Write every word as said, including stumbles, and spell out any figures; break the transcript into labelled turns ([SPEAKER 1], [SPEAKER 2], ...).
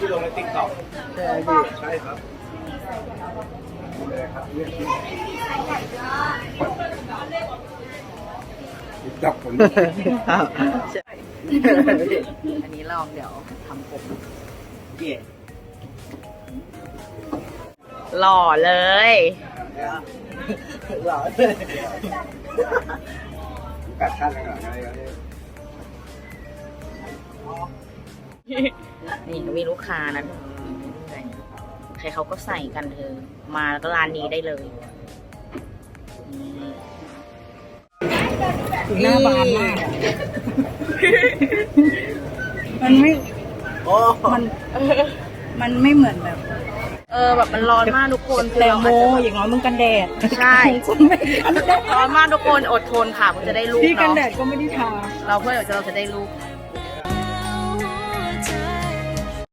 [SPEAKER 1] ที่ลงในติ๊กต็อกใช่พี่ใช่ครับจับผม
[SPEAKER 2] อันนี้ลองเดี๋ยวทำผมหล่อเลย
[SPEAKER 1] หล่อเลยกัดขั้นอะไรกัน
[SPEAKER 2] นี่มีลูกค้านะใครเขาก็ใส่กันเธอมาแล้วก็ร้านนี้ได้เลย
[SPEAKER 3] หน้าบานมากมันไม่มันมันไม่เหมือนแบบ
[SPEAKER 2] เออแบบมันร้อนมากทุกคน
[SPEAKER 3] แตงโมอย่างน้อยมึงกันแดด
[SPEAKER 2] ใช่
[SPEAKER 3] คุณไม่กันแดด
[SPEAKER 2] ร้อนมากทุกคนอดทนค่ะเพื่อจะได้ลูก
[SPEAKER 3] พี่กันแด
[SPEAKER 2] เนาะ
[SPEAKER 3] ดก็ไม่ได้ทา
[SPEAKER 2] เราเพื่อเราจะได้ลูก